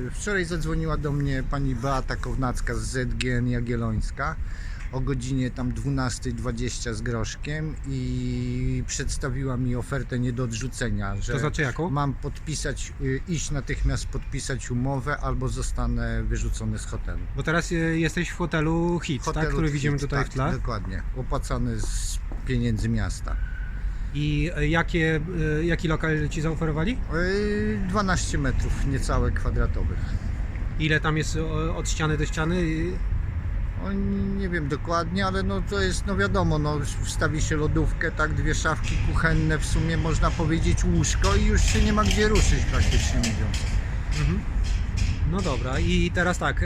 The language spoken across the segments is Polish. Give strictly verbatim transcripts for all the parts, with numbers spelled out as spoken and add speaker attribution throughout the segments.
Speaker 1: Wczoraj zadzwoniła do mnie pani Beata Kownacka z Z G N Jagiellońska o godzinie tam dwunastej dwadzieścia z groszkiem i przedstawiła mi ofertę nie do odrzucenia, że
Speaker 2: To znaczy jaką?
Speaker 1: mam podpisać, y, iść natychmiast podpisać umowę albo zostanę wyrzucony z hotelu.
Speaker 2: Bo teraz e, jesteś w hotelu Hit, tak?
Speaker 1: Hotelu
Speaker 2: Który widzimy
Speaker 1: Hit,
Speaker 2: tutaj
Speaker 1: tak,
Speaker 2: w tle.
Speaker 1: Dokładnie, opłacany z pieniędzy miasta.
Speaker 2: I e, jakie, e, jaki lokal ci zaoferowali?
Speaker 1: Y, dwanaście metrów niecałe kwadratowych.
Speaker 2: Ile tam jest e, od ściany do ściany? I-
Speaker 1: O, nie wiem dokładnie, ale no to jest, no wiadomo, no wstawi się lodówkę, tak, dwie szafki kuchenne, w sumie można powiedzieć łóżko i już się nie ma gdzie ruszyć, praktycznie mówiąc.
Speaker 2: Mhm. No dobra, i teraz tak, e,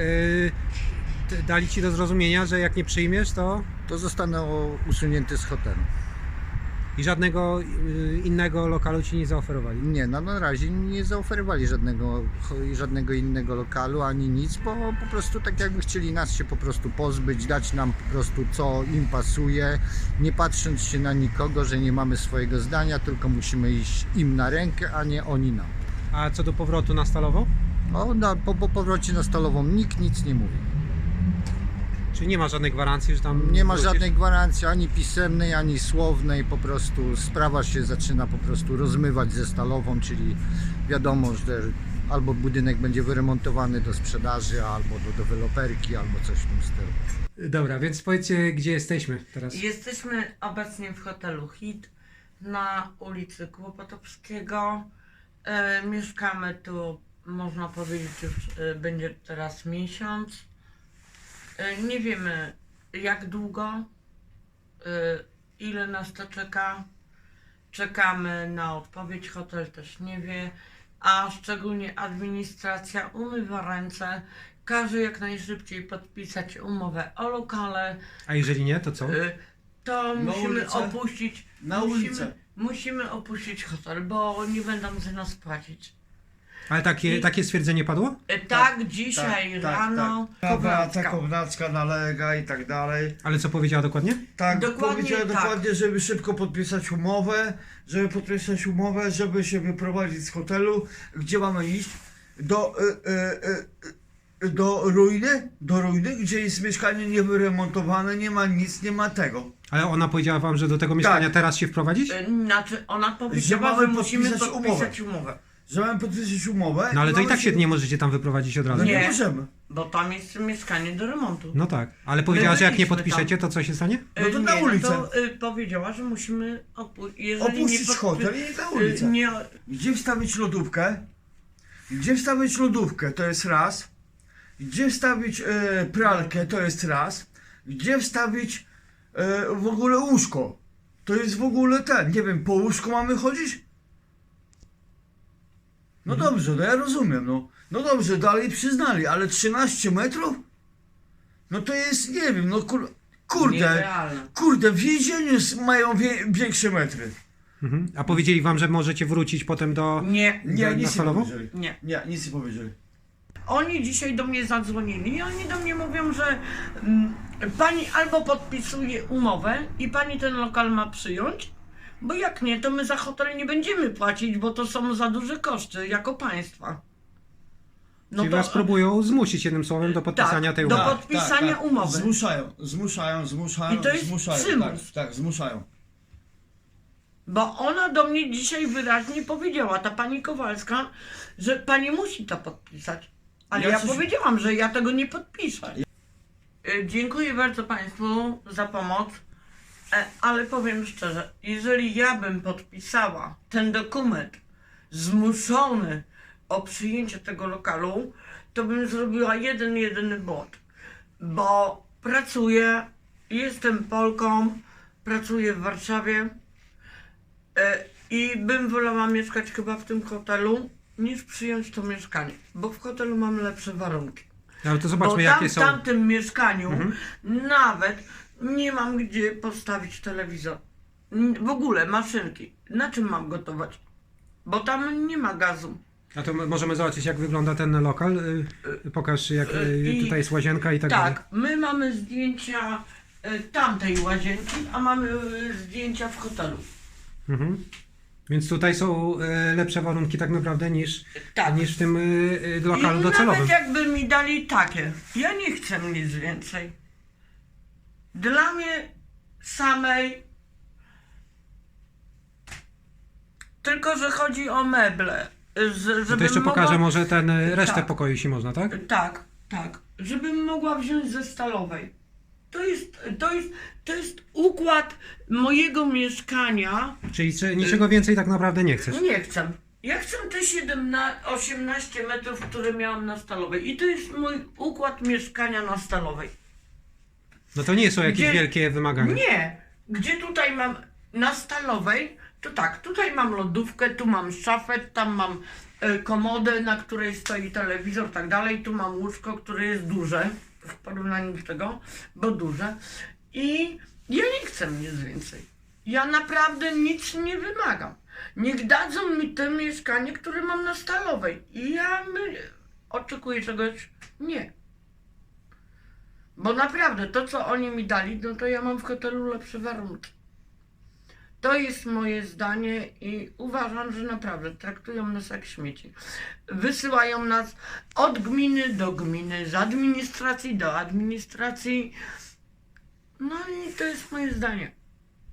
Speaker 2: t- dali ci do zrozumienia, że jak nie przyjmiesz, to
Speaker 1: To zostanę o- usunięty z hotelu.
Speaker 2: i żadnego e, innego lokalu ci nie zaoferowali.
Speaker 1: Nie, no na razie nie zaoferowali żadnego, żadnego innego lokalu, ani nic, bo po prostu tak jakby chcieli nas się po prostu pozbyć, dać nam po prostu co im pasuje, nie patrząc się na nikogo, że nie mamy swojego zdania, tylko musimy iść im na rękę, a nie oni nam.
Speaker 2: A co do powrotu na Stalową?
Speaker 1: O, na, po, po powrocie na Stalową nikt nic nie mówi.
Speaker 2: Czyli nie ma żadnej gwarancji, że tam
Speaker 1: Nie ma
Speaker 2: wrócisz?
Speaker 1: żadnej gwarancji ani pisemnej, ani słownej, po prostu sprawa się zaczyna po prostu rozmywać ze Stalową, czyli wiadomo, że albo budynek będzie wyremontowany do sprzedaży, albo do deweloperki, albo coś w tym stylu.
Speaker 2: Dobra, więc powiedzcie, gdzie jesteśmy teraz.
Speaker 3: Jesteśmy obecnie w hotelu Hit na ulicy Kłopotowskiego. E, mieszkamy tu, można powiedzieć, już e, będzie teraz miesiąc. E, nie wiemy jak długo, e, ile nas to czeka. Czekamy na odpowiedź, hotel też nie wie, a szczególnie administracja umywa ręce. Każe jak najszybciej podpisać umowę o lokale.
Speaker 2: A jeżeli nie, to co?
Speaker 3: Y, To
Speaker 4: Na
Speaker 3: musimy
Speaker 4: ulicę.
Speaker 3: opuścić.
Speaker 4: Na
Speaker 3: musimy,
Speaker 4: ulicę.
Speaker 3: musimy opuścić hotel, bo nie będą za nas płacić.
Speaker 2: Ale takie,
Speaker 3: i-
Speaker 2: takie stwierdzenie padło?
Speaker 3: Y, Tak, dzisiaj rano.
Speaker 4: Tak, Beata
Speaker 3: Kownacka.
Speaker 4: Kownacka nalega i tak dalej.
Speaker 2: Ale co powiedziała dokładnie?
Speaker 4: Tak,
Speaker 3: Dokładnie
Speaker 4: powiedziała
Speaker 3: tak.
Speaker 4: dokładnie, żeby szybko podpisać umowę, żeby podpisać umowę, żeby się wyprowadzić z hotelu. Gdzie mamy iść? Do, y, y, y, do ruiny? Do ruiny, gdzie jest mieszkanie niewyremontowane, nie ma nic, nie ma tego.
Speaker 2: Ale ona powiedziała wam, że do tego mieszkania
Speaker 4: Tak.
Speaker 2: teraz się wprowadzić?
Speaker 3: Y, Znaczy, ona powiedziała,
Speaker 4: mamy
Speaker 3: że musimy
Speaker 4: podpisać
Speaker 3: podpisać umowę.
Speaker 4: Że mamy podpisać umowę.
Speaker 2: No ale to i
Speaker 4: mamy
Speaker 2: tak się nie możecie tam wyprowadzić od razu.
Speaker 4: No nie,
Speaker 3: Nie.
Speaker 4: możemy.
Speaker 3: Bo tam jest mieszkanie do remontu.
Speaker 2: No tak, ale powiedziała, że jak nie
Speaker 3: byliśmy
Speaker 2: podpiszecie, to co się stanie?
Speaker 4: No to
Speaker 3: Y,
Speaker 4: na
Speaker 3: nie,
Speaker 4: ulicę.
Speaker 3: No to, y, powiedziała, że musimy opu- jeżeli nie
Speaker 4: Opuścić
Speaker 3: podpi-
Speaker 4: hotel i na
Speaker 3: y,
Speaker 4: ulicę.
Speaker 3: Nie,
Speaker 4: Gdzie wstawić lodówkę? Gdzie wstawić lodówkę? To jest raz. Gdzie wstawić e, pralkę? To jest raz. Gdzie wstawić e, w ogóle łóżko? To jest w ogóle ten. Nie wiem, po łóżku mamy chodzić? No dobrze, no ja rozumiem, no. No dobrze, dalej przyznali, ale trzynaście metrów? No to jest, nie wiem, no kur, kurde.
Speaker 3: nierealne.
Speaker 4: Kurde, w więzieniu s- mają wie, większe metry.
Speaker 2: Mhm. A powiedzieli wam, że możecie wrócić potem do...
Speaker 3: Nie,
Speaker 4: Nie,
Speaker 2: Na-
Speaker 4: nic
Speaker 2: na
Speaker 4: nie
Speaker 2: salową?
Speaker 4: powiedzieli.
Speaker 3: nie.
Speaker 4: Nie, nic nie powiedzieli.
Speaker 3: Oni dzisiaj do mnie zadzwonili i oni do mnie mówią, że mm, pani albo podpisuje umowę i pani ten lokal ma przyjąć, bo jak nie, to my za hotel nie będziemy płacić, bo to są za duże koszty jako państwa. No
Speaker 2: Czyli was próbują zmusić jednym słowem do podpisania
Speaker 3: tak,
Speaker 2: tej
Speaker 3: do
Speaker 2: umowy.
Speaker 3: pod- podpisania umowy.
Speaker 4: Zmuszają, zmuszają, zmuszają,
Speaker 3: I to jest
Speaker 4: zmuszają.
Speaker 3: przymus.
Speaker 4: Tak, tak, zmuszają.
Speaker 3: Bo ona do mnie dzisiaj wyraźnie powiedziała, ta pani Kowalska, że pani musi to podpisać. Ale
Speaker 4: Ja
Speaker 3: ja
Speaker 4: coś-
Speaker 3: powiedziałam, że ja tego nie podpiszę. Y, Dziękuję bardzo Państwu za pomoc, e, ale powiem szczerze, jeżeli ja bym podpisała ten dokument zmuszony o przyjęcie tego lokalu, to bym zrobiła jeden, jedyny błąd. Bo pracuję, jestem Polką, pracuję w Warszawie, E, I bym wolała mieszkać chyba w tym hotelu, niż przyjąć to mieszkanie, bo w hotelu mam lepsze warunki.
Speaker 2: Ale to
Speaker 3: Bo
Speaker 2: zobaczmy,
Speaker 3: tam,
Speaker 2: jakie
Speaker 3: w
Speaker 2: są...
Speaker 3: tamtym mieszkaniu
Speaker 2: Mhm.
Speaker 3: nawet nie mam gdzie postawić telewizor. N- W ogóle maszynki. Na czym mam gotować? Bo tam nie ma gazu.
Speaker 2: A to m- możemy zobaczyć, jak wygląda ten lokal. Y, y, Pokaż, jak y,
Speaker 3: I-
Speaker 2: tutaj jest łazienka i tak dalej.
Speaker 3: Tak, my mamy zdjęcia e, tamtej łazienki, a mamy e, zdjęcia w hotelu.
Speaker 2: Mhm. Więc tutaj są e, lepsze warunki tak naprawdę niż,
Speaker 3: Tak.
Speaker 2: niż w tym e, e, lokalu
Speaker 3: I
Speaker 2: docelowym.
Speaker 3: nawet jakby mi dali takie, ja nie chcę nic więcej. Dla mnie samej, tylko że chodzi o meble. Z,
Speaker 2: To
Speaker 3: żebym
Speaker 2: jeszcze
Speaker 3: mogła,
Speaker 2: pokażę może ten e, resztę
Speaker 3: Tak.
Speaker 2: pokoju, jeśli można, tak?
Speaker 3: Tak, tak. Żebym mogła wziąć ze stalowej. To jest, to jest, to jest układ mojego mieszkania.
Speaker 2: Czyli czy niczego więcej tak naprawdę nie chcesz?
Speaker 3: Nie chcę. Ja chcę te siedemnaście, osiemnaście metrów, które miałam na stalowej. I to jest mój układ mieszkania na stalowej.
Speaker 2: No to nie są jakieś
Speaker 3: Gdzie-
Speaker 2: wielkie wymagania.
Speaker 3: Nie. Gdzie tutaj mam na stalowej, to tak, tutaj mam lodówkę, tu mam szafę, tam mam e, komodę, na której stoi telewizor, tak dalej. Tu mam łóżko, które jest duże w porównaniu do tego, bo duże. I ja nie chcę nic więcej. Ja naprawdę nic nie wymagam. Niech dadzą mi to mieszkanie, które mam na stalowej. I ja my, oczekuję czegoś. Nie. Bo naprawdę to, co oni mi dali, no to ja mam w hotelu lepsze warunki. To jest moje zdanie i uważam, że naprawdę traktują nas jak śmieci. Wysyłają nas od gminy do gminy, z administracji do administracji. No i to jest moje zdanie.